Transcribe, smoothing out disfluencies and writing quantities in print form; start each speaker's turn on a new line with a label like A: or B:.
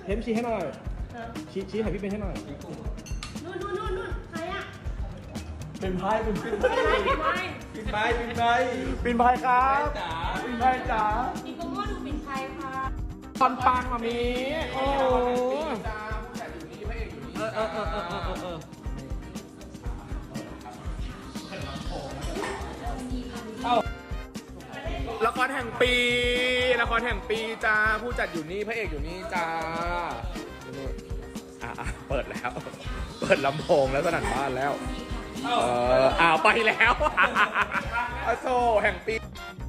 A: ทมชี้ให้หน่อยชี้ให้พี่เป็นให้หน่อย
B: นู่นใครอะ
A: เป็นไพ่เป็นไพ่
B: ปิ่นไพ
A: เป็นไพ่เป็นไพ่ครับเป็นไพ่จ๋า
B: อีกโกโม่ดูปิ่นไพค่ะ
A: ตอนปังมามีโอ้ละครแห่งปีละครแห่งปีจ้าผู้จัดอยู่นี่พระเอกอยู่นี่จ้าเปิดแล้วเปิดลำโพงแล้วสนั่นบ้านแล้วไปแล้วโซแห่งปี